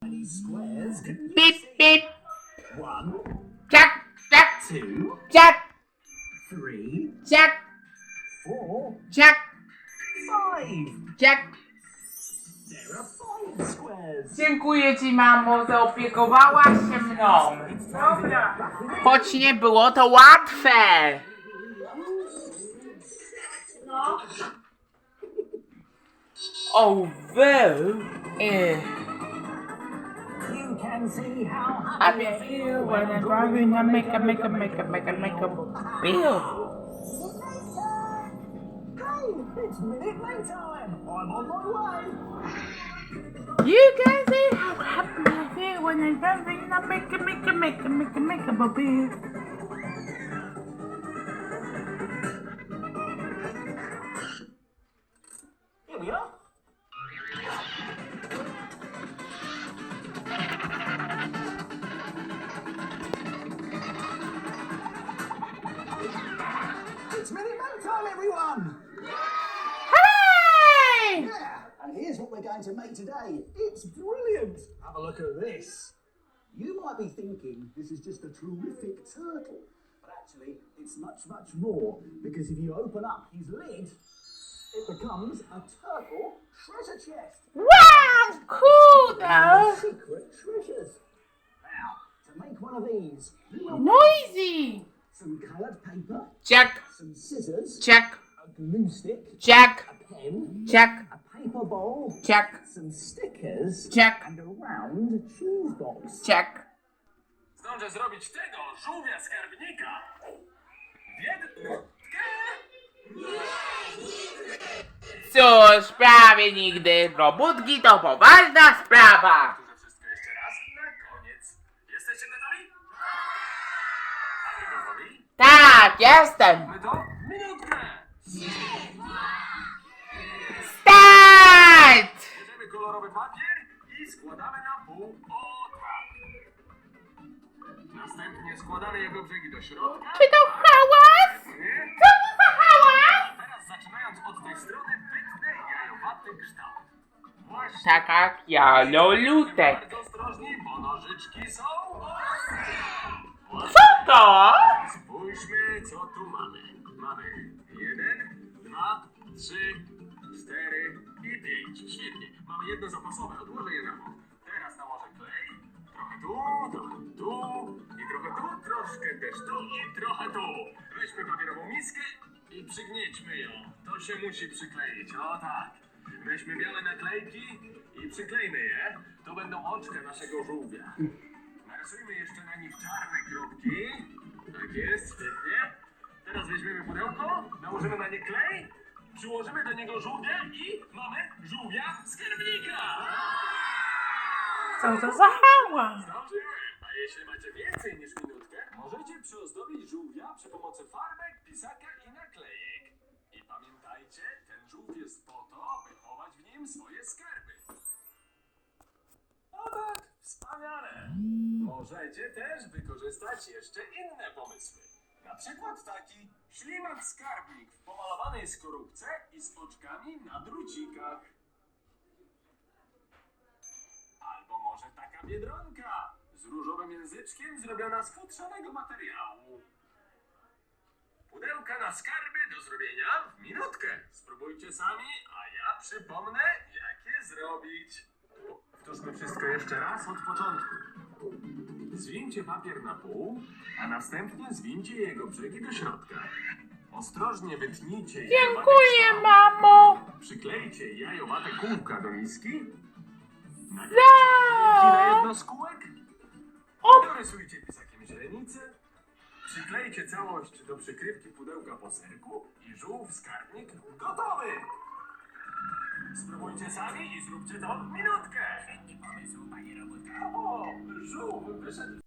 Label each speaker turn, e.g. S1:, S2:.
S1: Beep, beep.
S2: 1,
S1: Jack, Jack,
S2: 2,
S1: Jack,
S2: 3,
S1: Jack,
S2: 4,
S1: Jack,
S2: 5.
S1: Jack.
S2: There are 5 squares.
S1: Dziękuję ci, mamo, zaopiekowałaś się mną. Choć nie było to łatwe. Although,
S2: You can see how
S1: I
S2: happy I
S1: feel when I'm driving, I make a feel.
S2: Hey, it's Minute Maid time. I'm on my way.
S1: You can see how happy I feel when I'm driving, I make a feel.
S2: Here we are. It's Minute Maid time, everyone.
S1: Hey!
S2: Yeah, and here's what we're going to make today. It's brilliant. Have a look at this. You might be thinking this is just a terrific turtle, but actually it's much, much more, because if you open up his lid, it becomes a turtle treasure chest.
S1: Wow, cool though.
S2: Secret treasures. Now, to make one of these, you will need
S1: Noisy.
S2: some coloured paper,
S1: Jack,
S2: some scissors,
S1: Jack,
S2: a glue stick,
S1: Jack,
S2: a pen,
S1: Jack,
S2: a paper bowl,
S1: Jack,
S2: some stickers,
S1: Jack,
S2: and a round cheese box.
S1: Jack.
S3: Zdążę zrobić tego żółwia skarbnika w jedną.
S1: Cóż, prawie nigdy. Robótki to poważna sprawa.
S3: Powtórzę wszystko jeszcze raz na koniec. Jesteście gotowi? A wy gotowi?
S1: Tak, jestem.
S3: My to minutkę.
S1: Start!
S3: Bierzemy kolorowy papier i składamy na pół. O tak. Następnie składamy jego brzegi do środka.
S1: Czy to hałas?
S3: Nie?
S1: Co to za hałas?
S3: Teraz zaczynając od tej strony wytnę jajowaty kształt. Właśnie.
S1: Tak jak ja, Lolutek.
S3: Bardzo ostrożni, bo nożyczki są
S1: Co to?
S3: Spójrzmy, co tu mamy. Mamy 1, 2, 3, 4 i 5. Świetnie. Mamy jedno zapasowe. Odłożę je na bok. Teraz nałożę klej. Trochę tu i trochę tu, troszkę też tu i trochę tu. Weźmy papierową miskę i przygniećmy ją. To się musi przykleić. O tak. Weźmy białe naklejki i przyklejmy je. To będą oczka naszego żółwia. Narysujmy jeszcze na nich czarne kropki. Tak jest, świetnie. Teraz weźmiemy pudełko, nałożymy na nie klej, przyłożymy do niego żółwia i mamy żółwia skarbnika.
S1: Co to za hałas?
S3: Zdążyłem. A jeśli macie więcej niż minutkę, możecie przyozdobić żółwia przy pomocy farbek, pisaka i naklejek. I pamiętajcie, ten żółw jest po to, by chować w nim swoje skarby. O tak, wspaniale! Możecie też wykorzystać jeszcze inne pomysły. Na przykład taki ślimak skarbnik w pomalowanej skorupce i z oczkami na drucikach. Albo może taka biedronka z różowym języczkiem zrobiona z futrzanego materiału. Pudełka na skarby do zrobienia w minutkę. Spróbujcie sami, a ja przypomnę, jak je zrobić. Powtórzmy wszystko jeszcze raz od początku. Zwincie papier na pół, a następnie zwincie jego brzegi do środka. Ostrożnie wytnijcie jajowate
S1: Dziękuję,
S3: kształty.
S1: mamo.
S3: Przyklejcie jajowate kółka do miski.
S1: Za.
S3: Naklejcie na jedno z kółek.
S1: O.
S3: Dorysujcie pisakiem źrenicę. Przyklejcie całość do przykrywki pudełka po serku i żółw skarbnik gotowy. Spróbujcie sami i zróbcie to w minutkę. Świetny pomysł, panie robotniku. O, żółw wyszedł